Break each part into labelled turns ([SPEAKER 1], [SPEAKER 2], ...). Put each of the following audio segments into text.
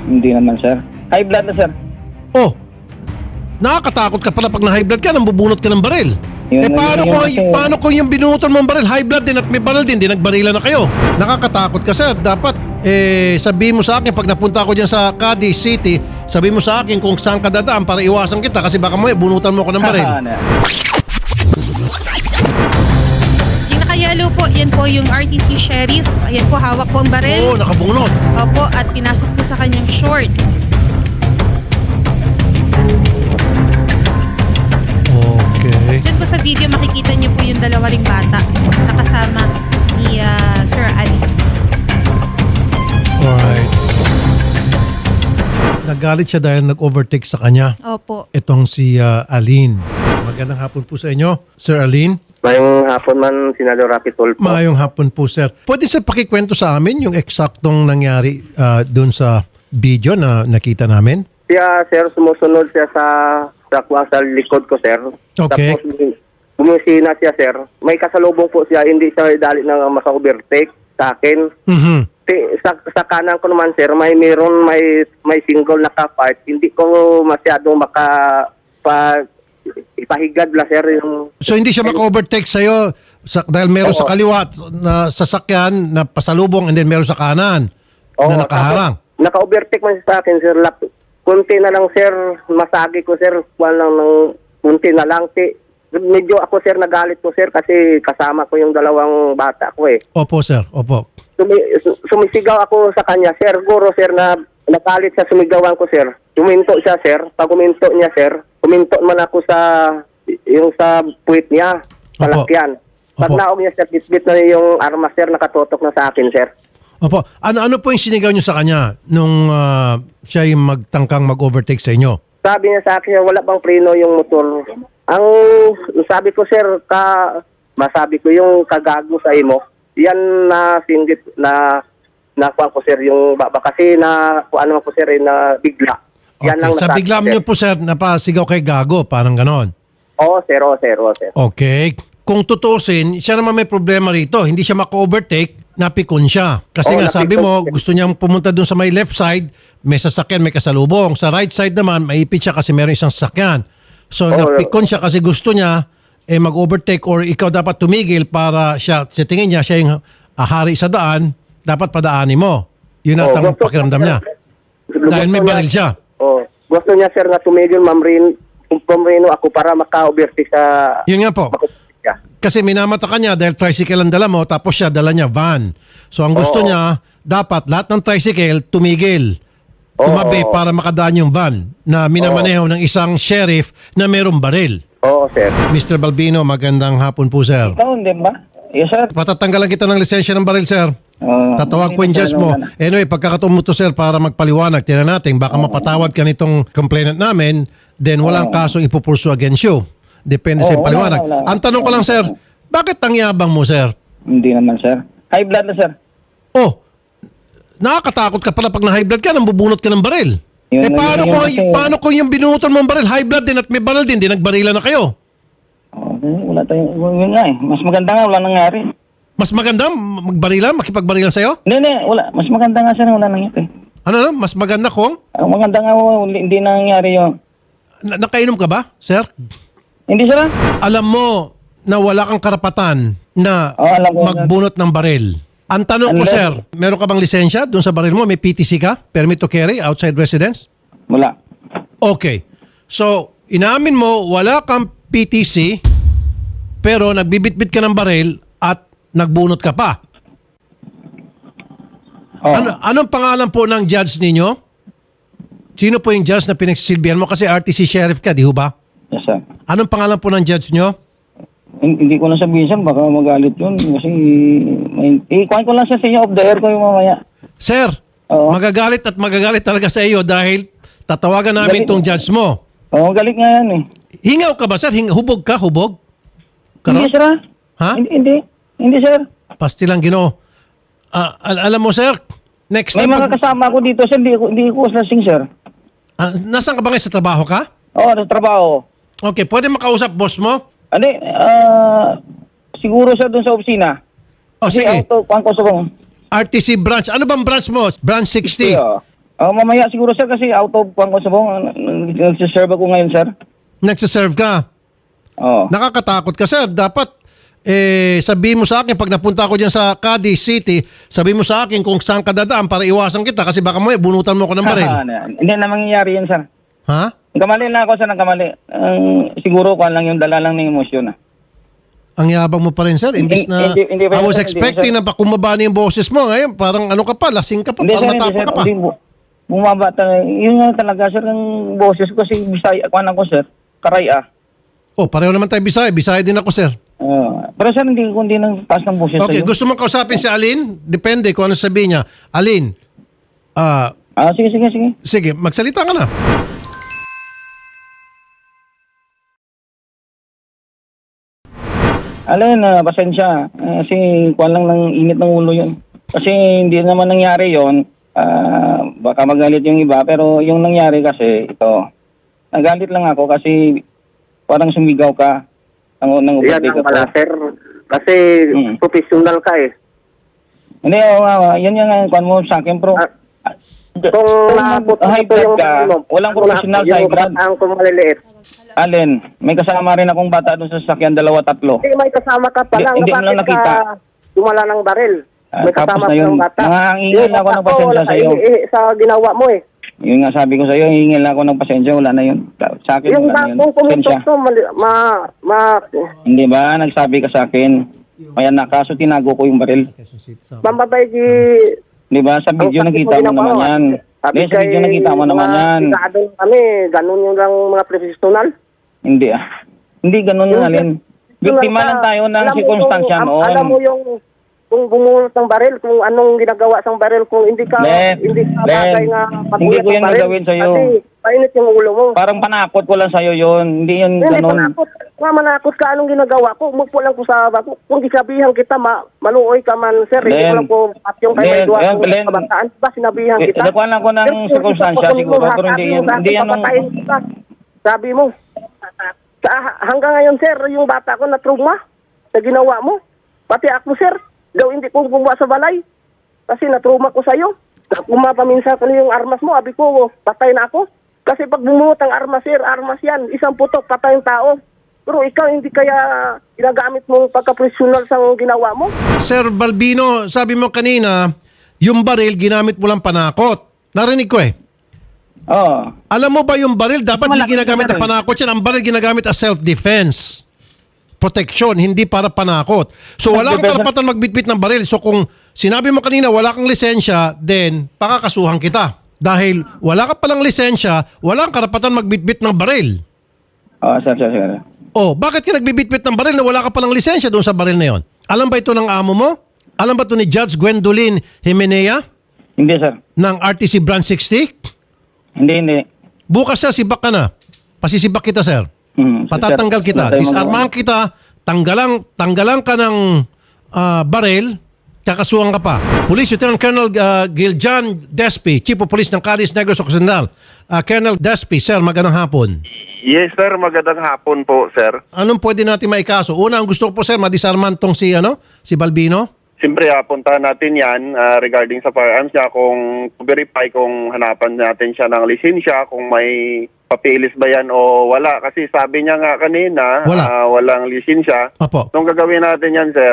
[SPEAKER 1] Hindi naman, sir. High blood na, sir.
[SPEAKER 2] Oh, nakakatakot ka pala pag na-high blood ka, nang bubunot ka ng baril.
[SPEAKER 1] Yun,
[SPEAKER 2] Paano kung yung binunutan mong baril, high blood din at may baril din, di nagbarila na kayo? Nakakatakot ka, sir. Dapat, sabihin mo sa akin, pag napunta ako dyan sa Cadiz City, sabihin mo sa akin kung saan ka dadaan para iwasan kita kasi baka mo bunutan mo ako ng baril.
[SPEAKER 3] Yung nakayalo po, yan po yung RTC Sheriff. Ayan po, hawak po ang baril.
[SPEAKER 2] Oo, nakabunot.
[SPEAKER 3] Opo, at pinasok po sa kanyang shorts.
[SPEAKER 2] Okay.
[SPEAKER 3] Diyan po sa video, makikita niyo po yung dalawa ring bata na kasama ni Sir Ali.
[SPEAKER 2] Alright. Nagalit siya dahil nag-overtake sa kanya.
[SPEAKER 3] Opo.
[SPEAKER 2] Itong si Aline. Magandang hapon po sa inyo, Sir Aline.
[SPEAKER 4] Mayong hapon man, Senador Rapi Tulfo.
[SPEAKER 2] Mayong hapon po, sir. Pwede sir pakikwento sa amin yung eksaktong nangyari doon sa video na nakita namin?
[SPEAKER 4] Siya, sir, sumusunod siya sa likod ko, sir.
[SPEAKER 2] Okay.
[SPEAKER 4] Tapos, bumisina siya, sir. May kasalubong po siya, hindi siya dali na maka-overtake sa akin.
[SPEAKER 2] Mhm.
[SPEAKER 4] Sa kanan ko naman, sir, may single na ka-part. Hindi ko masyado ipahigad la, sir, yung...
[SPEAKER 2] So hindi siya maka-overtake sa'yo dahil meron sa kaliwa na sasakyan na pasalubong and then meron sa kanan na nakaharang.
[SPEAKER 4] Naka-overtake man siya sa akin, sir. Kunti na lang, sir. Masagi ko, sir. Kunti na lang. Medyo ako, sir, nagalit ko, sir, kasi kasama ko yung dalawang bata ko, eh.
[SPEAKER 2] Opo, sir. Opo.
[SPEAKER 4] Sumisigaw ako sa kanya, sir. Guro, sir, na nagalit sa sumigawan ko, sir. Tuminto siya, sir. Pag uminto niya, sir, uminto man ako sa puwit niya, palakyan. Pag
[SPEAKER 2] Opo.
[SPEAKER 4] naog niya, sir, bitbit na yung armas, sir, nakatotok na sa akin, sir.
[SPEAKER 2] Opo. Ano po yung sinigaw niyo sa kanya nung siya yung magtangkang mag-overtake sa inyo?
[SPEAKER 4] Sabi niya sa akin, wala bang preno yung motor. Ang sabi ko, sir, masabi ko yung kagago sa imo. Yan na singgit na nakuha ko, sir, yung baba. Kasi kuha naman ko, sir, na bigla. Yan
[SPEAKER 2] Okay.
[SPEAKER 4] ang
[SPEAKER 2] Sa
[SPEAKER 4] nasabi,
[SPEAKER 2] bigla
[SPEAKER 4] sir.
[SPEAKER 2] niyo po, sir, napasigaw kay gago. Parang ganon.
[SPEAKER 4] Oo, sir, oo, sir, oo, sir.
[SPEAKER 2] Okay. Kung tutusin, siya naman may problema rito. Hindi siya maka-overtake, napikon siya. Kasi nga sabi mo, gusto niyang pumunta dun sa may left side, may sasakyan, may kasalubong. Sa right side naman, maipit siya kasi meron isang sasakyan. So napikon siya kasi gusto niya mag-overtake or ikaw dapat tumigil para siya, sa tingin niya, siya yung hari sa daan, dapat padaanin mo. Yun ang pakiramdam niya. Dahil may baril siya.
[SPEAKER 4] Gusto niya, sir, na tumigil, pumrino ako para maka-overtake sa...
[SPEAKER 2] Yun nga po. Kasi minamata ka niya dahil tricycle ang dala mo tapos siya dala niya van. So ang gusto niya, dapat lahat ng tricycle tumigil. Tumabi para makadaan yung van na minamaneho ng isang sheriff na merong baril.
[SPEAKER 4] Oo, sir.
[SPEAKER 2] Mr. Balbino, magandang hapon po, sir.
[SPEAKER 1] Ikaw, hindi ba? Yes, sir.
[SPEAKER 2] Patatanggalan kita ng lisensya ng baril, sir. Tatawag ko yung judge mo. Anyway, pagkakataon mo to, sir, para magpaliwanag, tingnan natin, baka mapatawad ka nitong complainant namin, then walang kasong ipupursu against you. Depende sa paliwanag.
[SPEAKER 1] wala.
[SPEAKER 2] Ang tanong ko lang, sir, bakit ang yabang mo, sir?
[SPEAKER 1] Hindi naman, sir. High blood na, sir.
[SPEAKER 2] Oh, nakakatakot ka pala pag na-high blood ka, nang bubunot ka ng baril.
[SPEAKER 1] Yun,
[SPEAKER 2] Paano kung yung binunutan mong baril, high blood din at may baril din, di nagbarila na kayo?
[SPEAKER 1] Wala tayong... Yun nga, eh. Mas maganda nga, wala nangyari.
[SPEAKER 2] Mas maganda magbarilan, makipagbarilan sa'yo?
[SPEAKER 1] Hindi, wala. Mas maganda nga, sir, wala nangyari.
[SPEAKER 2] Ano, mas maganda kung?
[SPEAKER 1] Ang maganda nga, hindi nangyari yun.
[SPEAKER 2] Nakainom ka ba, sir?
[SPEAKER 1] Hindi, sir.
[SPEAKER 2] Alam mo na wala kang karapatan na
[SPEAKER 1] alam ko,
[SPEAKER 2] magbunot ng baril. Ang tanong ko, sir, meron ka bang lisensya doon sa baril mo? May PTC ka? Permit to carry outside residence?
[SPEAKER 1] Wala.
[SPEAKER 2] Okay. So, inamin mo, wala kang PTC, pero nagbibitbit ka ng baril at nagbunot ka pa. Anong pangalan po ng judge ninyo? Sino po yung judge na pinagsisilbihan mo? Kasi RTC sheriff ka, di ho ba?
[SPEAKER 1] Yes, sir.
[SPEAKER 2] Anong pangalan po ng judge nyo?
[SPEAKER 1] Hindi ko na sabihin, sir. Baka magalit yun. Kasi, kuhain ko lang siya sa inyo. Off the air ko yung mamaya.
[SPEAKER 2] Sir, magagalit talaga sa iyo dahil tatawagan namin itong judge mo.
[SPEAKER 1] Galit nga yan, eh.
[SPEAKER 2] Hingaw ka ba, sir? Hubog ka? Hubog?
[SPEAKER 1] Hindi, sir.
[SPEAKER 2] Ha?
[SPEAKER 1] Hindi, sir.
[SPEAKER 2] Pastilang Ginoo. Alam mo, sir, next
[SPEAKER 1] May
[SPEAKER 2] time...
[SPEAKER 1] mga kasama ko dito, sir. Hindi ko lasing, sir.
[SPEAKER 2] Nasaan ka ba ngayon sa trabaho ka?
[SPEAKER 1] Oo, sa trabaho.
[SPEAKER 2] Okay, pwede makausap boss mo?
[SPEAKER 1] Hindi, siguro, sir, dun sa opisina.
[SPEAKER 2] O sige,
[SPEAKER 1] Kuhaan ko sa bang.
[SPEAKER 2] RTC branch. Ano bang branch mo? Branch 60.
[SPEAKER 1] Mamaya siguro sir kasi out of kung sa bong nagsiserve ako ngayon sir.
[SPEAKER 2] Nagsiserve ka.
[SPEAKER 1] Oo.
[SPEAKER 2] Nakakatakot ka, sir. Dapat, sabihin mo sa akin, pag napunta ako dyan sa Cadiz City, sabihin mo sa akin kung saan ka dadaan para iwasan kita kasi baka mo bunutan mo ako ng baril.
[SPEAKER 1] Hindi na mangyayari yan sir.
[SPEAKER 2] Ha?
[SPEAKER 1] Nagkamali lang ako sir, nagkamali. Siguro kung lang yung dala lang ng emosyon na.
[SPEAKER 2] Ang yabang mo pa rin, sir. Imbis na,
[SPEAKER 1] Hindi pa
[SPEAKER 2] I
[SPEAKER 1] yun,
[SPEAKER 2] was
[SPEAKER 1] sir.
[SPEAKER 2] expecting na kumaba na yung boses mo. Ngayon, parang ano ka pa, lasing ka pa,
[SPEAKER 1] Hindi
[SPEAKER 2] parang
[SPEAKER 1] sir,
[SPEAKER 2] matapa ka pa.
[SPEAKER 1] Bumaba talaga. Yun nga talaga sir, ang boses ko kasi Bisaya, kuhan ako sir, Karaya.
[SPEAKER 2] Oh, pareho naman tayo Bisaya. Bisaya din ako, sir.
[SPEAKER 1] Pero sir, hindi ng taas ng boses
[SPEAKER 2] Okay,
[SPEAKER 1] sa'yo.
[SPEAKER 2] gusto mong kausapin si Alin? Depende kung ano sabihin niya. Alin,
[SPEAKER 1] Sige.
[SPEAKER 2] sige, magsalita ka na.
[SPEAKER 1] Alin, pasensya. Kasi kuhan lang ng init ng ulo yun. Kasi hindi naman nangyari yon. Baka magalit yung iba. Pero yung nangyari kasi, ito. Nagalit lang ako kasi parang sumigaw ka. Nang
[SPEAKER 4] Yan ang pala, sir. Kasi professional ka eh.
[SPEAKER 1] Hindi, yan yung kuhan mo sa akin, bro.
[SPEAKER 4] Kung naabot
[SPEAKER 1] high
[SPEAKER 4] ito
[SPEAKER 1] blood ka, walang professional sa high blood.
[SPEAKER 4] Ang kung maliliit.
[SPEAKER 1] Alin, may kasama rin akong bata doon sa sasakyan, 2-3.
[SPEAKER 4] Hindi, may kasama ka pa lang.
[SPEAKER 1] Hindi mo lang
[SPEAKER 4] Bakit
[SPEAKER 1] nakita.
[SPEAKER 4] ka dumala ng baril? May
[SPEAKER 1] Tapos
[SPEAKER 4] kasama
[SPEAKER 1] na
[SPEAKER 4] pa
[SPEAKER 1] yun,
[SPEAKER 4] ng bata.
[SPEAKER 1] nangangingil
[SPEAKER 4] Yung
[SPEAKER 1] ako
[SPEAKER 4] bata
[SPEAKER 1] ng
[SPEAKER 4] ko,
[SPEAKER 1] pasensya
[SPEAKER 4] wala
[SPEAKER 1] sa'yo.
[SPEAKER 4] Sa ginawa mo eh.
[SPEAKER 1] Yun nga sabi ko sa'yo, hingil ako ng pasensya, wala na yun. Sa akin,
[SPEAKER 4] Yung
[SPEAKER 1] wala na yun.
[SPEAKER 4] bakong
[SPEAKER 1] Pasensya.
[SPEAKER 4] pumutok to,
[SPEAKER 1] Hindi ba, nagsabi ka sa akin, kaya na, kaso tinago ko yung baril.
[SPEAKER 4] mamabay di...
[SPEAKER 1] Di ba, sa video
[SPEAKER 4] Ang sakit
[SPEAKER 1] nakita
[SPEAKER 4] mo
[SPEAKER 1] mo naman
[SPEAKER 4] ginawa.
[SPEAKER 1] yan.
[SPEAKER 4] Sabi
[SPEAKER 1] Hindi, sa video nakita mo naman yan.
[SPEAKER 4] Sigado kami, ganun yung lang mga professional.
[SPEAKER 1] Hindi Hindi ganun
[SPEAKER 4] Yung-
[SPEAKER 1] nga, Alin. Biktima lang tayo ng
[SPEAKER 4] Alam mo
[SPEAKER 1] sirkunstansya
[SPEAKER 4] yung-
[SPEAKER 1] noon.
[SPEAKER 4] Alam mo yung kung bumulot ng baril, kung anong ginagawa sa baril, kung hindi ka
[SPEAKER 1] Len,
[SPEAKER 4] bagay nga
[SPEAKER 1] hindi ko
[SPEAKER 4] ng
[SPEAKER 1] yan
[SPEAKER 4] baril.
[SPEAKER 1] gagawin sa'yo.
[SPEAKER 4] Kasi painit yung ulo mo.
[SPEAKER 1] Parang panakot ko lang sa'yo yun. Hindi yun
[SPEAKER 4] Hindi
[SPEAKER 1] ganun.
[SPEAKER 4] manakot. Manakot ka anong ginagawa ko. Umupo lang ko sa bako. Kung isabihan kita, maluoy ka man, sir. Hindi ko
[SPEAKER 1] Len,
[SPEAKER 4] lang po at yung kay
[SPEAKER 1] Len,
[SPEAKER 4] may duwa
[SPEAKER 1] Len,
[SPEAKER 4] kong
[SPEAKER 1] Len.
[SPEAKER 4] kabataan. Ba, sinabihan kita.
[SPEAKER 1] Nakuha lang ko ng
[SPEAKER 4] Sir,
[SPEAKER 1] sirkunstansya
[SPEAKER 4] kung
[SPEAKER 1] siguro,
[SPEAKER 4] ito,
[SPEAKER 1] pero hindi yan,
[SPEAKER 4] bakit
[SPEAKER 1] hindi yan nung...
[SPEAKER 4] papatayin kita? Sabi mo. Hanggang ngayon, sir, yung bata ko na trauma sa ginawa mo. Pati ako, sir, daw hindi ko gumawa sa balay. Kasi na-trauma ko sa'yo. Kumapaminsa ko na yung armas mo. Abi ko, patay na ako. Kasi pag bumuot ang armas, sir, armas yan. Isang putok, patay yung tao. Pero ikaw, hindi kaya ginagamit mo pagka-professional sa ginawa mo?
[SPEAKER 2] Sir Balbino, sabi mo kanina, yung baril ginamit mo lang panakot. Narinig ko eh.
[SPEAKER 1] Oo.
[SPEAKER 2] Alam mo ba yung baril dapat
[SPEAKER 1] Malaki
[SPEAKER 2] hindi ginagamit na
[SPEAKER 1] yung baril.
[SPEAKER 2] panakot yan. Ang baril ginagamit as self-defense. Protection, hindi para panakot. So wala kang karapatan magbitbit ng baril. So kung sinabi mo kanina wala kang lisensya, then pakakasuhan kita. Dahil wala ka palang lisensya, wala kang karapatan magbitbit ng baril.
[SPEAKER 1] Sir.
[SPEAKER 2] Oh, bakit ka nagbibitbit ng baril na wala ka palang lisensya doon sa baril na yon? Alam ba ito ng amo mo? Alam ba ito ni Judge Gwendolyn Jimenea
[SPEAKER 1] Hindi, sir.
[SPEAKER 2] ng RTC Branch 60?
[SPEAKER 1] Hindi.
[SPEAKER 2] Bukas sir, sibak ka na. Pasisibak kita, sir. Patatanggal
[SPEAKER 1] Sir,
[SPEAKER 2] kita.
[SPEAKER 1] wala tayong
[SPEAKER 2] Disarmahan kita. Tanggalan ka ng baril. Kakasuhan ka pa. Police Lieutenant Colonel Giljan Despi, Chief of Police ng Cadiz Negros Occidental. Colonel Despi, sir, magandang hapon.
[SPEAKER 5] Yes, sir. Magandang hapon po, sir.
[SPEAKER 2] Anong pwede natin maikaso? Una, ang gusto ko po, sir, madisarman tong si Balbino.
[SPEAKER 5] Siyempre, puntahan natin yan regarding sa firearms niya kung verify kung hanapan natin siya ng lisensya, kung may papilis ba yan o wala. Kasi sabi niya nga kanina,
[SPEAKER 2] Wala.
[SPEAKER 5] walang lisensya.
[SPEAKER 2] Opo.
[SPEAKER 5] Nung gagawin natin yan, sir,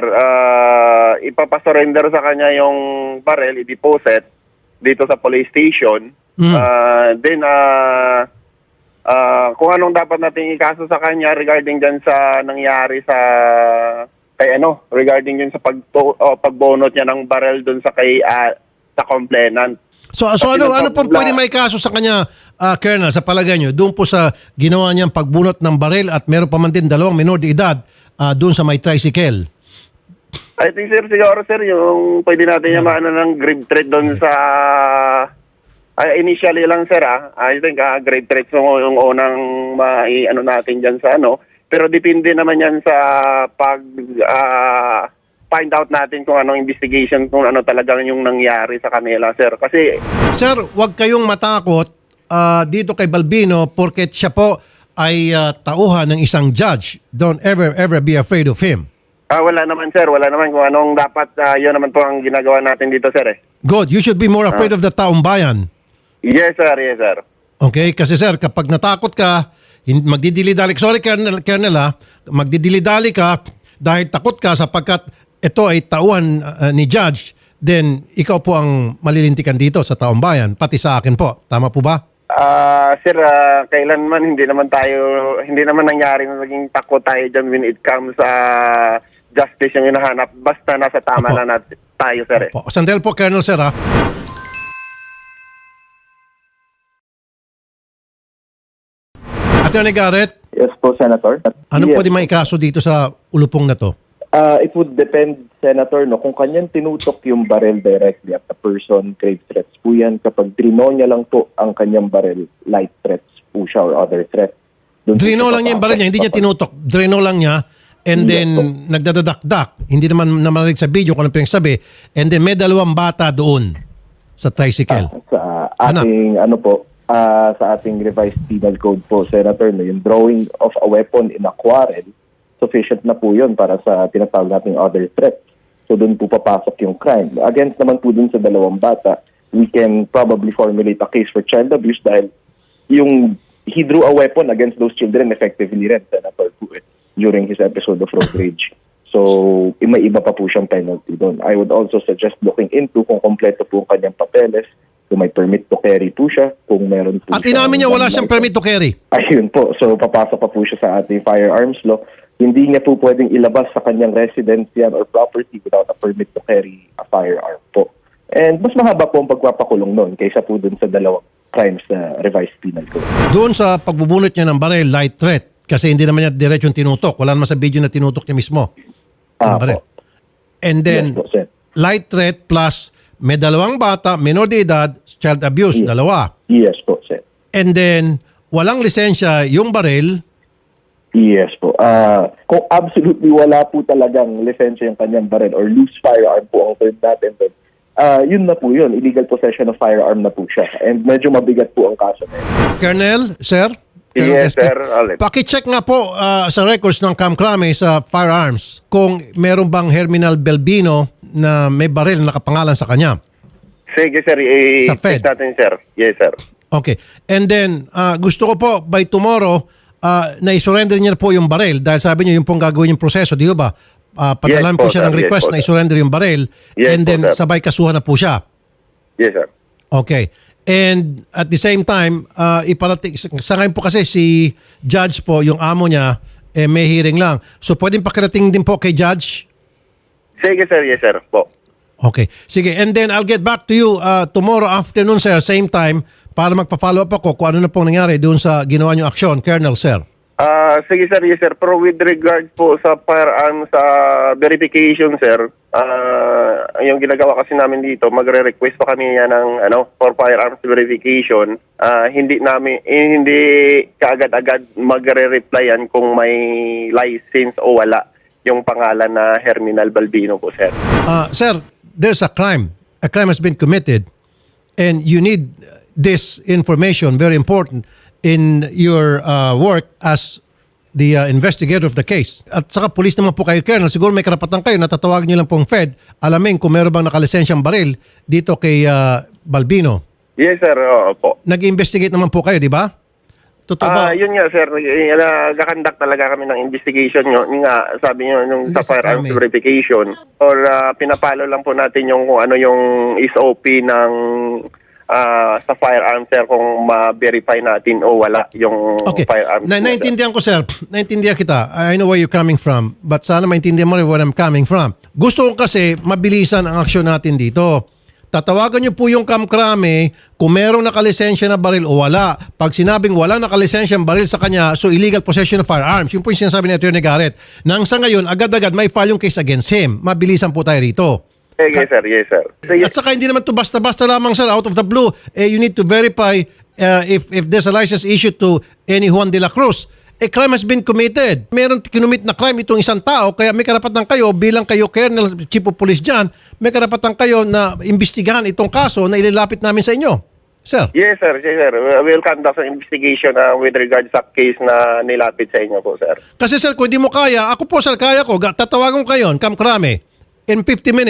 [SPEAKER 5] ipapasurrender sa kanya yung barrel, i-deposit dito sa police station. Then, kung anong dapat natin ikaso sa kanya regarding dyan sa nangyari sa regarding dyan sa pagbonot niya ng barrel dun sa sa complainant.
[SPEAKER 2] So ano pong pwede maikaso sa kanya, Colonel, sa palagay nyo, doon po sa ginawa niyang pagbunot ng baril at meron pa man din 2 minor de edad doon sa may tricycle?
[SPEAKER 5] I think, sir, siguro, sir, yung pwede natin yung maano ng grave threat doon sa... initially lang, sir, I think grave threat yung unang ano natin dyan sa ano. Pero depende naman yan sa find out natin kung anong investigation, kung ano talagang yung nangyari sa kanila, sir. Kasi...
[SPEAKER 2] Sir, wag kayong matakot dito kay Balbino porket siya po ay tauhan ng isang judge. Don't ever be afraid of him.
[SPEAKER 5] wala naman, sir. Wala naman kung anong dapat. Yun naman po ang ginagawa natin dito, sir.
[SPEAKER 2] Good. You should be more afraid of the taong bayan.
[SPEAKER 5] Yes, sir. Yes, sir.
[SPEAKER 2] Okay? Kasi sir, kapag natakot ka, magdidili-dali. Sorry, Colonel magdidili-dali ka dahil takot ka sapagkat ito ay tauhan ni Judge, then ikaw po ang malilintikan dito sa taong bayan, pati sa akin po. Tama po ba?
[SPEAKER 5] Sir, kailanman hindi naman nangyari na naging takot tayo dyan when it comes sa justice yung hinahanap. Basta nasa tama
[SPEAKER 2] Opo.
[SPEAKER 5] na tayo, sir.
[SPEAKER 2] Po. Sandel po, Colonel, sir, ha? Attorney Garrett,
[SPEAKER 6] Yes po, Senator.
[SPEAKER 2] anong
[SPEAKER 6] Yes.
[SPEAKER 2] pwede maikaso dito sa ulupong na to?
[SPEAKER 6] It would depend, Senator, no, kung kanyang tinutok yung barrel directly at the person, grave threats po yan. Kapag drino niya lang po ang kanyang barrel, light threats po siya or other threats. Doon po
[SPEAKER 2] Drino
[SPEAKER 6] siya
[SPEAKER 2] lang niya yung baril niya, hindi niya
[SPEAKER 6] papasok.
[SPEAKER 2] tinutok. Drino lang niya, and
[SPEAKER 6] Yes,
[SPEAKER 2] then nagdadadakdak. Hindi naman namarinig sa video kung ano pinagsabi. And then may 2 bata doon sa tricycle.
[SPEAKER 6] Sa ating, sa ating revised penal code po, Senator, no, yung drawing of a weapon in a quarrel, sufficient na po yun para sa tinatawag nating other threats. So doon po papasok yung crime. Against naman po dun sa 2 bata, we can probably formulate a case for child abuse dahil yung he drew a weapon against those children effectively rin, Senator, po, during his episode of road rage. So, may iba pa po siyang penalty doon. I would also suggest looking into kung kompleto po ang kanyang papeles, kung may permit to carry po siya, kung meron po
[SPEAKER 2] At inamin niya wala siyang permit to carry.
[SPEAKER 6] Ayun po. So, papasok pa po siya sa ating firearms law. Hindi niya po pwedeng ilabas sa kanyang residence yan or property without a permit to carry a firearm po. And mas mahaba po ang pagpapakulong noon kaysa po dun sa 2 crimes na revised penal code.
[SPEAKER 2] Doon sa pagbubunot niya ng baril, light threat. Kasi hindi naman niya diretsong tinutok. Wala naman sa video na tinutok niya mismo. Yung baril.
[SPEAKER 6] Po.
[SPEAKER 2] And then,
[SPEAKER 6] Yes po, sir.
[SPEAKER 2] light threat plus may 2 bata, minor de edad, child abuse, 2.
[SPEAKER 6] Yes po, sir.
[SPEAKER 2] And then, walang lisensya yung baril.
[SPEAKER 6] Yes po. Kung absolutely wala po talagang lisensya yung kanyang baril or loose firearm po ang term natin doon, yun na po yun. Illegal possession of firearm na po siya. And medyo mabigat po ang kaso na yun.
[SPEAKER 2] Colonel, sir? Colonel
[SPEAKER 5] Yes,
[SPEAKER 2] SP,
[SPEAKER 5] sir. Alin.
[SPEAKER 2] Paki-check nga po sa records ng Kamkrame sa firearms kung meron bang Herminal Belbino na may baril na nakapangalan sa kanya.
[SPEAKER 5] Sige, sir.
[SPEAKER 2] Sa Fed.
[SPEAKER 5] I-check natin, sir. Yes, sir.
[SPEAKER 2] Okay. And then, gusto ko po by tomorrow na i-surrender niya po yung baril dahil sabi niyo yung pong gagawin yung proseso, di ba? Padalan
[SPEAKER 5] Yes
[SPEAKER 2] po
[SPEAKER 5] po,
[SPEAKER 2] siya ng
[SPEAKER 5] sir. Yes
[SPEAKER 2] request
[SPEAKER 5] po,
[SPEAKER 2] na
[SPEAKER 5] sir.
[SPEAKER 2] i-surrender yung baril
[SPEAKER 5] Yes
[SPEAKER 2] and
[SPEAKER 5] po,
[SPEAKER 2] then
[SPEAKER 5] sir.
[SPEAKER 2] sabay kasuhan na po siya.
[SPEAKER 5] Yes, sir.
[SPEAKER 2] Okay. And at the same time, iparating, sa ngayon po kasi si Judge po, yung amo niya, may hearing lang. So pwedeng pakirating din po kay Judge?
[SPEAKER 5] Sige, sir. Yes, sir. Po.
[SPEAKER 2] Okay. Sige. And then I'll get back to you tomorrow afternoon, sir, same time, para magpa-follow up ako kung ano na pong nangyari doon sa ginawa niyong aksyon, Colonel, sir.
[SPEAKER 5] Sige, sir. Yes, sir. Pero with regard po sa firearm sa verification, sir, yung ginagawa kasi namin dito, magre-request pa kami yan ng for firearms verification. Hindi kaagad-agad magre-reply yan kung may license o wala yung pangalan na Herminal Balbino po, sir.
[SPEAKER 2] Sir, there's a crime. A crime has been committed and you need this information, very important, in your work as the investigator of the case. At saka police naman po kayo, Colonel. Siguro may karapatan kayo, natatawagin niyo lang pong Fed. Alamin kung meron bang nakalisensyang baril dito kay Balbino.
[SPEAKER 5] Yes, sir. Po.
[SPEAKER 2] Nag-investigate naman po kayo, di ba? Totoo ba?
[SPEAKER 5] Yun nga, sir. Nag-conduct talaga kami ng investigation nyo. Yun nga, sabi nyo, yung
[SPEAKER 2] Hindi
[SPEAKER 5] sa
[SPEAKER 2] sa
[SPEAKER 5] firearms
[SPEAKER 2] kami.
[SPEAKER 5] verification. Or pinapalo lang po natin yung kung ano yung SOP ng sa firearms, sir, kung ma-verify natin o wala yung
[SPEAKER 2] Okay.
[SPEAKER 5] firearms.
[SPEAKER 2] Naintindihan ko, sir. Naintindihan kita. I know where you're coming from. But sana maintindihan mo rin where I'm coming from. Gusto ko kasi mabilisan ang aksyon natin dito. Tatawagan niyo po yung Kamkrame kung merong nakalisensya na baril o wala. Pag sinabing wala nakalisensyang baril sa kanya, so illegal possession of firearms. Yun po yung sinasabi ni Atty. Garrett. Nang sa ngayon, agad-agad may file yung case against him. Mabilisan po tayo rito.
[SPEAKER 5] Sige, sir. Yes, sir. Sige.
[SPEAKER 2] At saka hindi naman to basta-basta lamang, sir, out of the blue. You need to verify if there's a license issued to any Juan de la Cruz. A crime has been committed. Meron kinumit na crime itong isang tao, kaya may karapatan kayo bilang kayo, Colonel, Chief of Police dyan, may karapatan kayo na imbestigahan itong kaso na ililapit namin sa inyo. Sir.
[SPEAKER 5] Yes, sir. Yes, sir. We'll conduct an investigation with regards sa case na nilapit sa inyo po, sir.
[SPEAKER 2] Kasi sir, kung hindi mo kaya, ako po sir, kaya ko, tatawagan ko kayo, Kamkrame, in 50 minutes.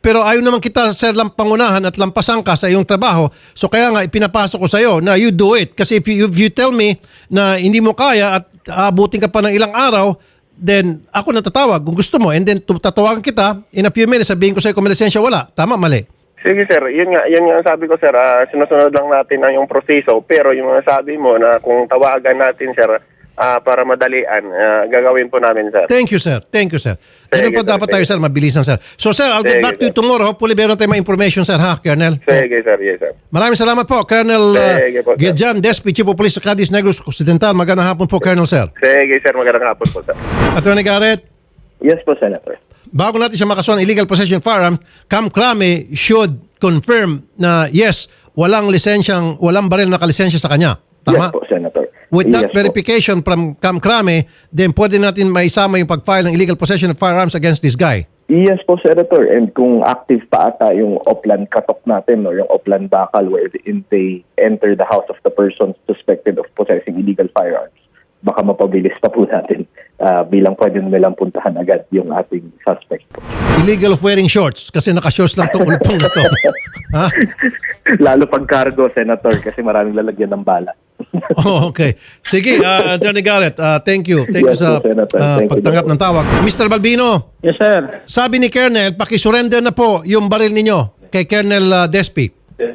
[SPEAKER 2] pero ayaw naman kita, sir, lang pangunahan at lampasan ka sa iyong trabaho. So kaya nga, ipinapasok ko sa iyo na you do it. Kasi if you tell me na hindi mo kaya at aabutin ka pa ng ilang araw, then ako natatawag kung gusto mo. And then tatawagan kita, in a few minutes, sabihin ko sa iyo kung may lisensya wala. Tama, mali?
[SPEAKER 5] Sige sir, yun nga ang sabi ko sir, sinusunod lang natin ang yung proseso, pero yung mga sabi mo na kung tawagan natin sir, para madalian, gagawin po namin sir.
[SPEAKER 2] Thank you, sir. Thank you, sir. Ganun
[SPEAKER 5] Sige,
[SPEAKER 2] pa
[SPEAKER 5] sir.
[SPEAKER 2] dapat tayo, sir. Mabilisan, sir. So, sir, I'll get
[SPEAKER 5] Sige,
[SPEAKER 2] back to you
[SPEAKER 5] sir.
[SPEAKER 2] tomorrow. Hopefully, meron tayong mga information, sir, ha, Colonel?
[SPEAKER 5] Sige sir, yes sir.
[SPEAKER 2] Maraming salamat po, Colonel
[SPEAKER 5] Sige po, sir.
[SPEAKER 2] Giljan Despi, Chief of Police sa Cadiz Negros Occidental. Magandang hapon po, Colonel, sir.
[SPEAKER 5] Sige sir, magandang hapon po sir.
[SPEAKER 2] Attorney Garrett,
[SPEAKER 6] Yes po, Senator.
[SPEAKER 2] bago natin siya makasuhan illegal possession of firearm, Cam Crame should confirm na yes, walang baril na nakalisensya sa kanya. Tama?
[SPEAKER 6] Yes po, Senator.
[SPEAKER 2] With that
[SPEAKER 6] Yes po.
[SPEAKER 2] verification from Cam Crame, then pwede natin maisama yung pag-file ng illegal possession of firearms against this guy.
[SPEAKER 6] Yes po, Senator. And kung active pa ata yung Oplan katok natin, no, yung Oplan bakal wherein they enter the house of the person suspected of possessing illegal firearms, baka mapabilis pa po natin bilang pwede nilang puntahan agad yung ating suspect po.
[SPEAKER 2] Illegal of wearing shorts kasi naka-shorts lang itong ulpong na to. Ha?
[SPEAKER 6] Lalo pag cargo, Senator, kasi maraming lalagyan ng bala.
[SPEAKER 2] Oh, okay. Sige, Attorney Garrett, thank you. Thank
[SPEAKER 6] Yes
[SPEAKER 2] you sa
[SPEAKER 6] po, Senator. Thank you,
[SPEAKER 2] pagtanggap ng tawag. Mr. Balbino,
[SPEAKER 1] Yes, sir.
[SPEAKER 2] sabi ni Colonel, pakisurrender na po yung baril ninyo kay Colonel Despi.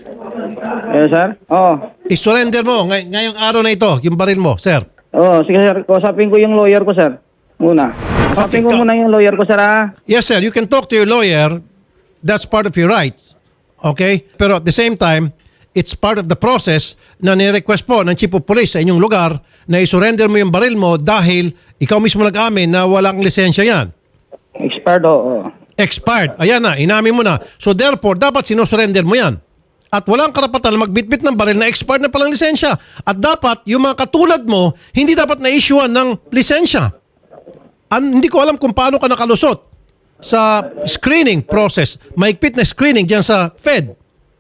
[SPEAKER 1] Yes, sir. Oh.
[SPEAKER 2] I-surrender mo ngayong araw na ito, yung baril mo, sir.
[SPEAKER 1] Oh, sige, sir. Kausapin ko yung lawyer ko, sir. Muna.
[SPEAKER 2] Okay,
[SPEAKER 1] Kausapin ko muna yung lawyer ko, sir, ha?
[SPEAKER 2] Yes, sir. You can talk to your lawyer. That's part of your rights. Okay? Pero at the same time, it's part of the process na ni-request po ng Chief of Police sa inyong lugar na i-surrender mo yung baril mo dahil ikaw mismo nag-amin na walang lisensya yan.
[SPEAKER 1] Expired, oh.
[SPEAKER 2] Expired. Ayan na, inamin mo na. So therefore, dapat sinusurrender mo yan. At walang karapatan na magbitbit ng baril na expired na palang lisensya. At dapat, yung mga katulad mo, hindi dapat na-issuean ng lisensya. Hindi ko alam kung paano ka nakalusot sa screening process. Mahigpit na screening dyan sa Fed.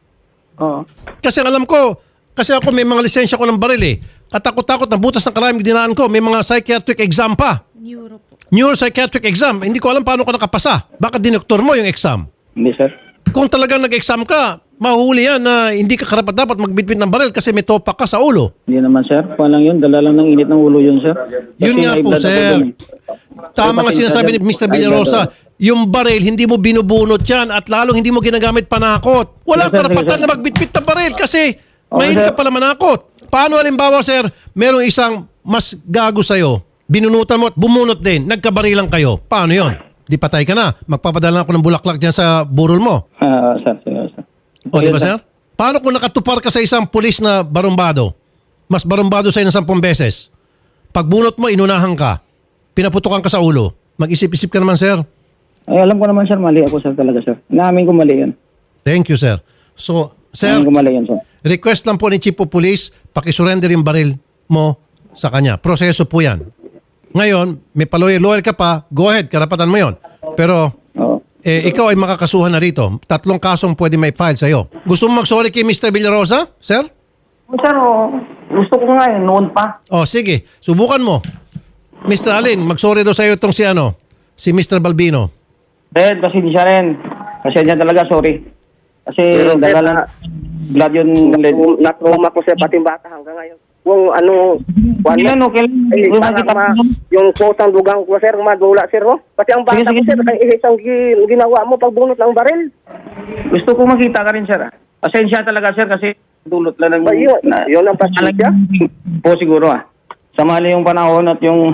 [SPEAKER 1] Oh.
[SPEAKER 2] Kasi alam ko, kasi ako may mga lisensya ko ng baril eh. Katakot-takot na butas ng kalaming dinaan ko. May mga psychiatric exam pa.
[SPEAKER 3] Neuro po.
[SPEAKER 2] Neuropsychiatric exam. Hindi ko alam paano ka nakapasa. Baka dinoktor mo yung exam.
[SPEAKER 1] Hindi, sir.
[SPEAKER 2] Kung talagang nag-exam ka, mahuhuli yan na hindi ka karapat dapat magbitbit ng baril kasi may topak ka sa ulo.
[SPEAKER 1] Hindi naman, sir. Kuha lang yun. Dala lang ng init ng ulo yun, sir.
[SPEAKER 2] Yun
[SPEAKER 1] Kasi
[SPEAKER 2] nga
[SPEAKER 1] high
[SPEAKER 2] po,
[SPEAKER 1] blood ako
[SPEAKER 2] sir.
[SPEAKER 1] dun, eh.
[SPEAKER 2] Tama nga
[SPEAKER 1] Kasi
[SPEAKER 2] sinasabi ni
[SPEAKER 1] high
[SPEAKER 2] Mr.
[SPEAKER 1] blood
[SPEAKER 2] Villarosa,
[SPEAKER 1] ako.
[SPEAKER 2] yung baril, hindi mo binubunot yan at lalong hindi mo ginagamit panakot. Wala
[SPEAKER 1] Yes, sir,
[SPEAKER 2] karapatan
[SPEAKER 1] yes, sir.
[SPEAKER 2] na magbitbit ng baril kasi
[SPEAKER 1] Okay,
[SPEAKER 2] mahilig ka
[SPEAKER 1] sir.
[SPEAKER 2] pala manakot. Paano halimbawa, sir, merong isang mas gago sa'yo, binunutan mo at bumunot din, nagkabarilan kayo. Paano yon? Di patay ka na. Magpapadala ako ng bulaklak dyan sa burol mo.
[SPEAKER 1] Sir, sir.
[SPEAKER 2] O, di ba, sir? Paano kung nakatupar ka sa isang pulis na barumbado? Mas barumbado sa'yo ng 10 beses. Pagbunot mo, inunahan ka. Pinaputukan ka sa ulo. Mag-isip-isip ka naman, sir.
[SPEAKER 1] Ay, alam ko naman, sir. Mali ako, sir, talaga, sir. Inamin ko mali yan.
[SPEAKER 2] Thank you, sir. So, sir,
[SPEAKER 1] Inamin ko mali yan, sir.
[SPEAKER 2] request lang po ni Chief of Police, pakisurrender yung baril mo sa kanya. Proseso po yan. Ngayon, may pa-lawyer ka pa, go ahead, karapatan mo yon. Pero,
[SPEAKER 1] Oo.
[SPEAKER 2] ikaw ay makakasuhan na rito. 3 kasong pwede may file sa'yo. Gusto mo mag-sorry kay Mr. Villarosa, sir?
[SPEAKER 1] Sir, gusto ko nga yun. Noon pa.
[SPEAKER 2] Oh, sige. Subukan mo. Mr. Alin, mag-sorry daw sa'yo itong si Mr. Balbino.
[SPEAKER 1] Sir, kasi di siya rin. Kasi niya talaga, sorry. Kasi
[SPEAKER 4] Pero, sir,
[SPEAKER 1] dala lang blood yun.
[SPEAKER 4] Na-trauma ko sir, pati yung bata hanggang ngayon. Kung ano,
[SPEAKER 1] Okay lang, okay lang.
[SPEAKER 4] ay,
[SPEAKER 1] Yung
[SPEAKER 4] parang
[SPEAKER 1] makita mo.
[SPEAKER 4] yung kotang dugang ko sir, madula sir, oh. Pati ang bata
[SPEAKER 1] Sige,
[SPEAKER 4] ko sir,
[SPEAKER 1] sige.
[SPEAKER 4] kaya isang ginawa mo pagbunot ng baril.
[SPEAKER 1] Gusto ko makita ka rin, sir. Pasensya talaga, sir, kasi dulot lang ng...
[SPEAKER 4] Ba, yun ang pasensya?
[SPEAKER 1] Po siguro, Sa mali yung panahon at yung...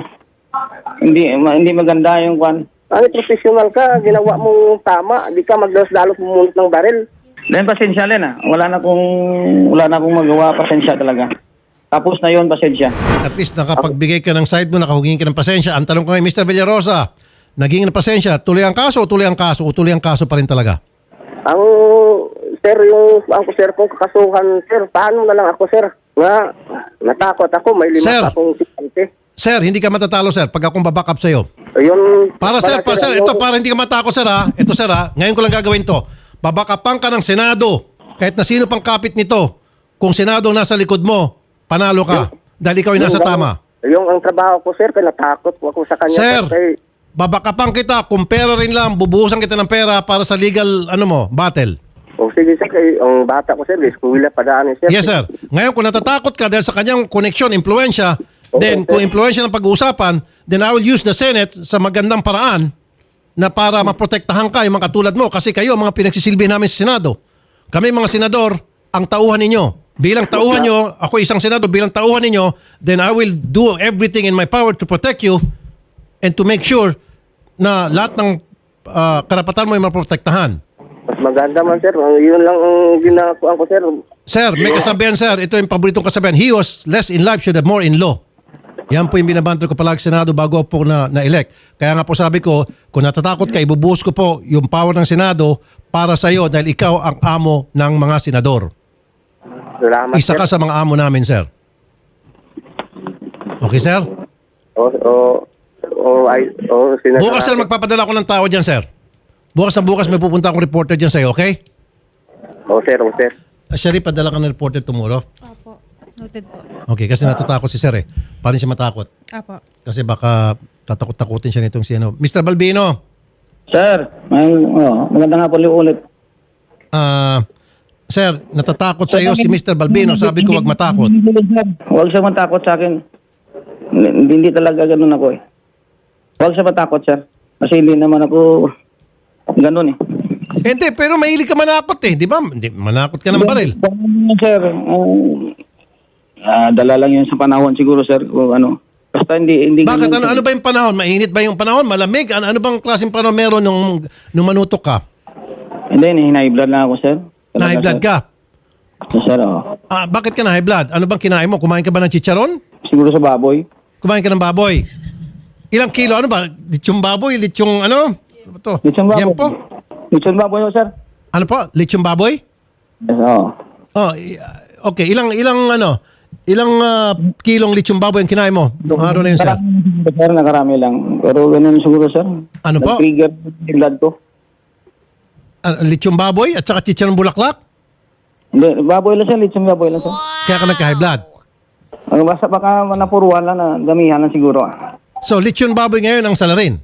[SPEAKER 1] Hindi maganda yung kwan.
[SPEAKER 4] Ano, professional ka, ginawa mo tama, di ka magdalos-dalos bumunot ng baril.
[SPEAKER 1] Then pasensya rin, Wala na akong magawa, pasensya talaga. Tapos na yun, pasensya.
[SPEAKER 2] At least nakapagbigay ka ng side mo, nakahugin ka ng pasensya. Ang tanong ko ngayon, Mr. Villarosa, naging ng pasensya, tuloy ang kaso o tuloy ang kaso o tuloy ang kaso pa rin talaga?
[SPEAKER 4] Ang sir, ang sir kong kakasuhan, sir, paano na lang ako, sir? Nga, natakot ako, may 5
[SPEAKER 2] Sir.
[SPEAKER 4] pa akong sikante.
[SPEAKER 2] Sir, hindi ka matatalo, sir, pag akong baback up sa'yo.
[SPEAKER 4] Ayun,
[SPEAKER 2] Para sir, ito para hindi ka matakot, sir, ha? Ito, sir, ha? Ngayon ko lang gagawin to. Babakapan ka ng Senado. Kahit na sino pang kapit nito. Kung Senado ang nasa likod mo, panalo ka. Dahil ikaw ay nasa tama.
[SPEAKER 4] Yung ang trabaho ko, sir, kaya natakot po ako sa kanya.
[SPEAKER 2] Sir,
[SPEAKER 4] Kaya,
[SPEAKER 2] babakapan kita, kung pera rin lang, bubuhusan kita ng pera para sa legal, battle.
[SPEAKER 4] O sige sir, ang bata ko sir, eskwela padaan sir.
[SPEAKER 2] Yes, sir. Ngayon, kung natatakot ka dahil sa kanyang connection, impluensya, then kung impluensya ng pag-uusapan, then I will use the Senate sa magandang paraan na para maprotektahan ka yung mga katulad mo. Kasi kayo, mga pinagsisilbi namin sa Senado. Kami mga senador, ang tauhan ninyo. Bilang tauhan nyo, ako isang senador, bilang tauhan ninyo, then I will do everything in my power to protect you and to make sure na lahat ng karapatan mo ay maprotektahan.
[SPEAKER 4] Mas maganda man sir, yun lang ang ginagawa ko sir.
[SPEAKER 2] Sir, may kasabihan, sir. Ito yung paboritong kasabihan. He was less in life should have more in law. Yan po yung binabanto ko palagi sa Senado bago po na-elect. Kaya nga po sabi ko, kung natatakot ka, ibubuhos ko po yung power ng Senado para sa iyo dahil ikaw ang amo ng mga senador.
[SPEAKER 4] Salamat
[SPEAKER 2] Isa
[SPEAKER 4] sir.
[SPEAKER 2] ka sa mga amo namin, sir. Okay, sir?
[SPEAKER 4] Sinasara.
[SPEAKER 2] Bukas, sir, magpapadala ko ng tao dyan, sir. Bukas na bukas may pupunta akong reporter dyan sa'yo, okay?
[SPEAKER 4] O sir.
[SPEAKER 2] Sherry, padala ka ng reporter tomorrow.
[SPEAKER 3] Opo. Noted po.
[SPEAKER 2] Okay, kasi natatakot si sir eh. Paano siya matakot?
[SPEAKER 3] Opo.
[SPEAKER 2] Kasi baka tatakot-takutin siya nitong si Mr. Balbino,
[SPEAKER 1] Sir, maganda nga po ulit.
[SPEAKER 2] sir, natatakot sa iyo si Mr. Balbino. Sabi ko wag matakot.
[SPEAKER 1] Huwag siya matakot sa akin. Hindi talaga ganun ako eh. Huwag siya matakot, sir. Kasi hindi naman ako ganun eh.
[SPEAKER 2] Hindi, pero mahilig ka manakot eh. Di ba? Hindi, manakot ka ng baril.
[SPEAKER 1] Sir, dala lang yun sa panahon siguro, sir. O ano. Basta hindi
[SPEAKER 2] Bakit?
[SPEAKER 1] ganun,
[SPEAKER 2] Ano ba yung panahon? Mainit ba yung panahon? Malamig? Ano bang klaseng panahon meron nung manutok ka?
[SPEAKER 1] Hindi, high blood lang ako, sir. Talaga,
[SPEAKER 2] Na high blood
[SPEAKER 1] sir.
[SPEAKER 2] ka?
[SPEAKER 1] Sir, oo.
[SPEAKER 2] Bakit ka na high blood? Ano bang kinain mo? Kumain ka ba ng chicharon?
[SPEAKER 1] Siguro sa baboy.
[SPEAKER 2] Kumain ka ng baboy? Ilang kilo? Ano ba? Litsyong baboy? Litsyong ano? Ano to?
[SPEAKER 1] Lechon baboy.
[SPEAKER 2] Yempo?
[SPEAKER 1] Lechon baboy, sir.
[SPEAKER 2] Ano po? Litsyong baboy?
[SPEAKER 1] Yes, oo.
[SPEAKER 2] Okay. Ilang kilong litsyong baboy ang kinain mo noong araw na yun, sir?
[SPEAKER 1] Sir, nakarami lang. Pero ganun siguro, sir.
[SPEAKER 2] Ano po?
[SPEAKER 1] Nag-trigger yung blood ko.
[SPEAKER 2] Litsyong baboy at saka chicharon bulaklak?
[SPEAKER 1] Hindi, baboy lang, sir. Lechon baboy lang, sir.
[SPEAKER 2] Kaya ka nagka-high blood.
[SPEAKER 1] Basta baka napuruan lang na damihan lang siguro.
[SPEAKER 2] So, lechon baboy ngayon ang salarin.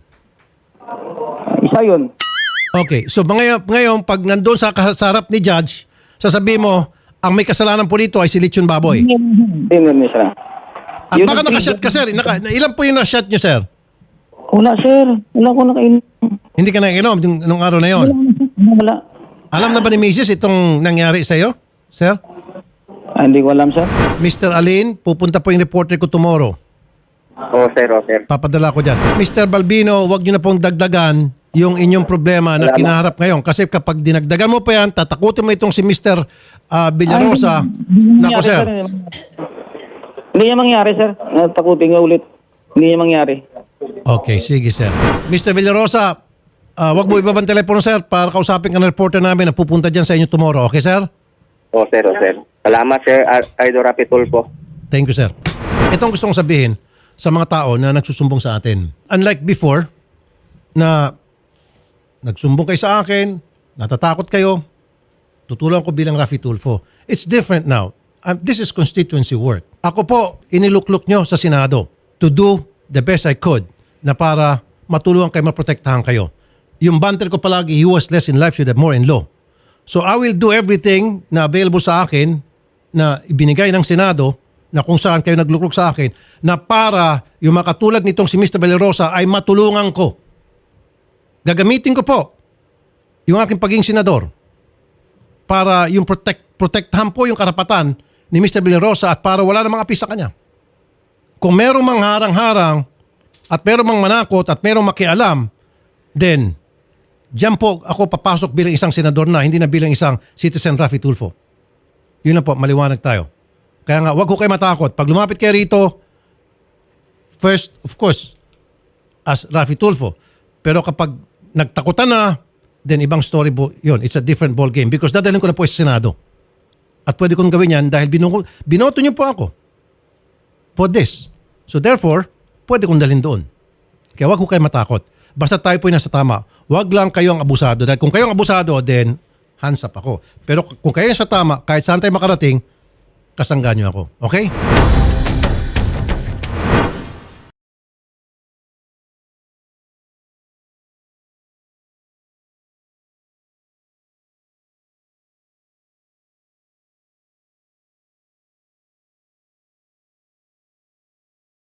[SPEAKER 1] Isa yun.
[SPEAKER 2] Okay. So, ngayon pag nandun sa harap ni Judge, sasabihin mo, ang may kasalanan po dito ay si lechon baboy.
[SPEAKER 1] Hindi, sir.
[SPEAKER 2] At baka nakashot ka, sir. Ilan po yung na-shot nyo, sir?
[SPEAKER 1] Wala, sir. Wala ko nakainom.
[SPEAKER 2] Hindi ka nainom nung araw na yon.
[SPEAKER 1] Wala.
[SPEAKER 2] Alam na ba ni Mrs. itong nangyari sa iyo, sir?
[SPEAKER 1] Hindi ko alam, sir.
[SPEAKER 2] Mr. Alin, pupunta po yung reporter ko tomorrow.
[SPEAKER 4] O sir.
[SPEAKER 2] Papadala ko dyan. Mr. Balbino, wag nyo na pong dagdagan yung inyong problema na kinaharap ngayon. Kasi kapag dinagdagan mo pa yan, tatakutin mo itong si Mr. Villarosa. Nako, sir.
[SPEAKER 1] Hindi niya mangyari, sir. Takutin nga ulit. Hindi niya mangyari.
[SPEAKER 2] Okay, sige, sir. Mr. Villarosa, wag mo ibabang telepono, sir, para kausapin ka ng reporter namin na pupunta dyan sa inyo tomorrow. Okay, sir?
[SPEAKER 4] O sir. Salamat sir, Idol Rapi Tulfo.
[SPEAKER 2] Thank you, sir. Ito ang gusto kong sabihin sa mga tao na nagsusumbong sa atin. Unlike before, na nagsumbong kayo sa akin, natatakot kayo, tutulungan ko bilang Rafi Tulfo. It's different now. This is constituency work. Ako po, inilukluk nyo sa Senado to do the best I could na para matulungan kayo, maprotektahan kayo. Yung banter ko palagi, he was less in life should have more in law. So I will do everything na available sa akin na ibinigay ng Senado na kung saan kayo naglukluk sa akin na para yung makatulad nitong si Mr. Villarosa ay matulungan ko. Gagamitin ko po yung aking pagiging senador para yung protektahan po yung karapatan ni Mr. Villarosa at para wala namang api sa kanya. Kung merong mang harang-harang at merong mang manakot at merong makialam, then diyan po ako papasok bilang isang senador na, hindi na bilang isang citizen Rafi Tulfo. Yun na po, maliwanag tayo. Kaya nga, wag ko kayo matakot. Pag lumapit kayo rito, first, of course, as Rafi Tulfo. Pero kapag nagtakutan na, then ibang story po yun. It's a different ball game because dadalhin ko na po sa Senado. At pwede kong gawin yan dahil binoto niyo po ako for this. So therefore, pwede kong dalhin doon. Kaya wag ko kayo matakot. Basta tayo po yung nasa tama. Wag lang kayong abusado. Dahil kung kayong abusado, then hands up ako. Pero kung kayo sa tama, kahit saan tayo makarating, kasangga niyo ako. Okay?